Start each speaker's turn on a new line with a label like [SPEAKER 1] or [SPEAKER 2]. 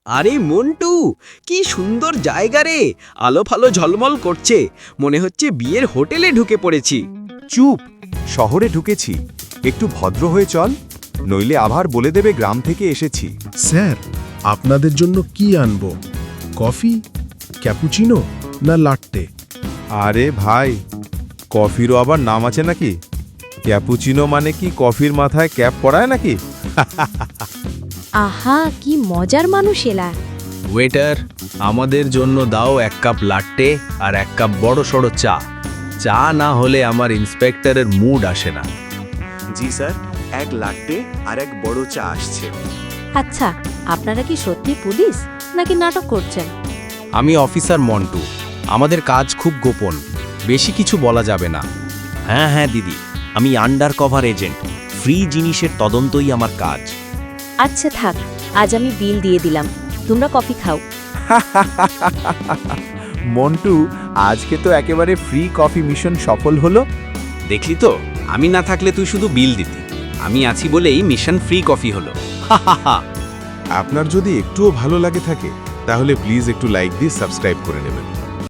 [SPEAKER 1] আরে মন্টু, কি সুন্দর জায়গা রে। আলো ফালো ঝলমল করছে, মনে হচ্ছে বিয়ের হোটেলে ঢুকে পড়েছি।
[SPEAKER 2] চুপ, শহরে ঢুকেছি, একটু ভদ্র হয়ে চল, নইলে আবার বলে দেবে গ্রাম থেকে এসেছি।
[SPEAKER 3] স্যার, আপনাদের জন্য কি আনবো? কফি, ক্যাপুচিনো না লাট্টে?
[SPEAKER 4] আরে ভাই, কফিরও আবার নাম আছে নাকি? ক্যাপুচিনো মানে কি কফির মাথায় ক্যাপ পরায় নাকি?
[SPEAKER 5] আহা, কি মজার মানুষ এলা।
[SPEAKER 6] ওয়েটার, আমাদের জন্য দাও 1 কাপ লাট্টে আর 1 কাপ বড় সড়ো চা। চা না হলে আমার ইন্সপেক্টরের মুড আসে না।
[SPEAKER 2] জি স্যার, 1 লাট্টে আর 1 বড় চা আসছে।
[SPEAKER 5] আচ্ছা, আপনারা কি সত্যি পুলিশ নাকি নাটক করছেন?
[SPEAKER 6] আমি অফিসার মন্টু, আমাদের কাজ খুব গোপন, বেশি কিছু বলা যাবে না।
[SPEAKER 7] হ্যাঁ হ্যাঁ দিদি, আমি আন্ডার কভার এজেন্ট, ফ্রি জিনিসের তদন্তই আমার কাজ।
[SPEAKER 5] আচ্ছা থাক, আজ আমি বিল দিয়ে দিলাম, তোমরা কফি খাও।
[SPEAKER 2] মন্টু, আজকে তো একেবারে ফ্রি কফি মিশন সফল হলো।
[SPEAKER 1] দেখলি তো, আমি না থাকলে তুই শুধু বিল দিতি, আমি আছি বলেই মিশন ফ্রি কফি হলো।
[SPEAKER 4] আপনার যদি একটুও ভালো লাগে থাকে তাহলে প্লিজ একটু লাইক দিয়ে সাবস্ক্রাইব করে নেবেন।